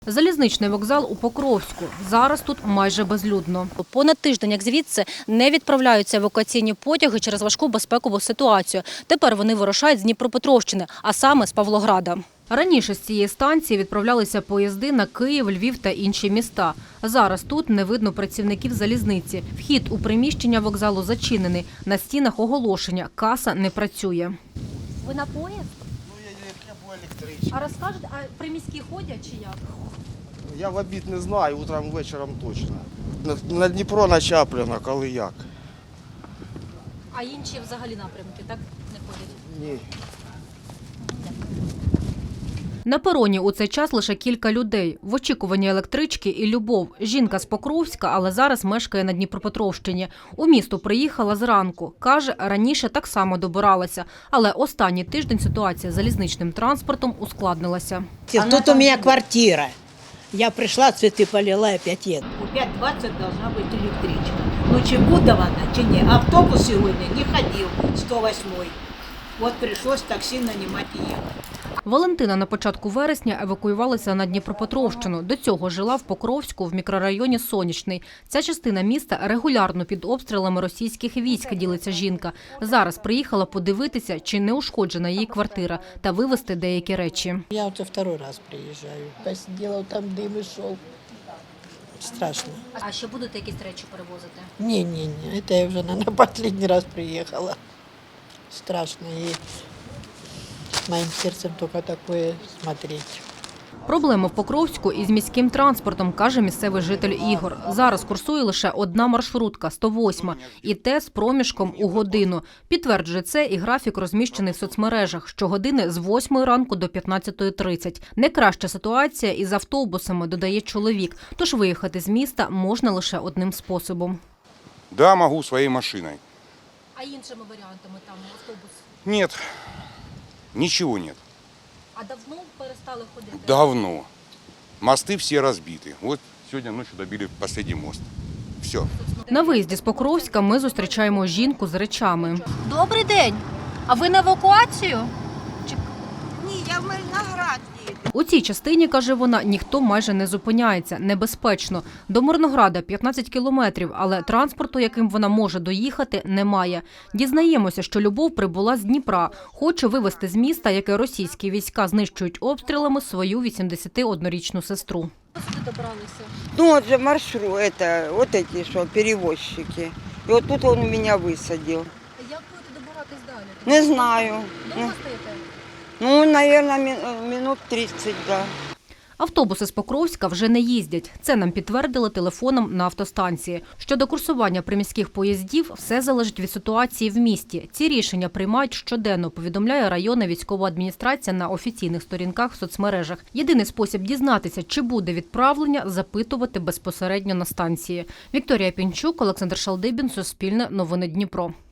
Залізничний вокзал у Покровську. Зараз тут майже безлюдно. Понад тиждень, як звідси, не відправляються евакуаційні потяги через важку безпекову ситуацію. Тепер вони вирушають з Дніпропетровщини, а саме з Павлограда. Раніше з цієї станції відправлялися поїзди на Київ, Львів та інші міста. Зараз тут не видно працівників залізниці. Вхід у приміщення вокзалу зачинений. На стінах оголошення – каса не працює. Ви на поїзд? Я по електричці. А розкажете, а приміські ходять чи як? Я в обід не знаю, утром, вечором точно. На Дніпро, на Чапліна, коли як. А інші взагалі напрямки, так, не ходять? Ні. На пероні у цей час лише кілька людей. В очікуванні електрички і Любов. Жінка з Покровська, але зараз мешкає на Дніпропетровщині. У місто приїхала зранку. Каже, раніше так само добиралася. Але останній тиждень ситуація з залізничним транспортом ускладнилася. Тут у меня квартира. Я пришла, цветы полила и опять еду. У 5:20 должна быть электричка. Ну чи буде вона, чи ні. Автобус сьогодні не ходив, 108-й. От прийшлось таксі нанімати і їхати. Валентина на початку вересня евакуювалася на Дніпропетровщину. До цього жила в Покровську в мікрорайоні Сонячний. Ця частина міста регулярно під обстрілами російських військ, ділиться жінка. Зараз приїхала подивитися, чи не ушкоджена її квартира, та вивезти деякі речі. Я вот второй раз приезжаю. Посидела, там дым и шел. Страшно. А ще будете якісь речі перевозити? Не-не-не, это я уже на последний раз приехала. Страшно. И с моим сердцем только такое смотреть. Проблема в Покровську із міським транспортом, каже місцевий житель Ігор. Зараз курсує лише одна маршрутка – 108, і те з проміжком у годину. Підтверджує це і графік розміщений в соцмережах. Щогодини з 8 ранку до 15:30. Не краща ситуація із автобусами, додає чоловік. Тож виїхати з міста можна лише одним способом. Да, могу своей машиной. А іншими варіантами там автобус? Нет, ничего нет. А давно перестали ходити? Давно. Мосты все разбиты. Вот сегодня ночью добили последний мост. Все. На виїзді з Покровська ми зустрічаємо жінку з речами. Добрий день! А ви на евакуацію? Ні, я в Мирноград їду. У цій частині, каже вона, ніхто майже не зупиняється. Небезпечно. До Мирнограда 15 кілометрів, але транспорту, яким вона може доїхати, немає. Дізнаємося, що Любов прибула з Дніпра. Хоче вивезти з міста, яке російські війська знищують обстрілами, свою 81-річну сестру. Сюди добралися? Ну, вот же маршрут, это, вот эти что, перевозчики. И вот тут он меня высадил. Як будете добиратись далі? Не знаю. Довго стоїте? Ну, наверное, минут 30, да. Автобуси з Покровська вже не їздять. Це нам підтвердили телефоном на автостанції. Щодо курсування приміських поїздів, все залежить від ситуації в місті. Ці рішення приймають щоденно, повідомляє районна військова адміністрація на офіційних сторінках в соцмережах. Єдиний спосіб дізнатися, чи буде відправлення – запитувати безпосередньо на станції. Вікторія Пінчук, Олександр Шалдибін, Суспільне, Новини Дніпро.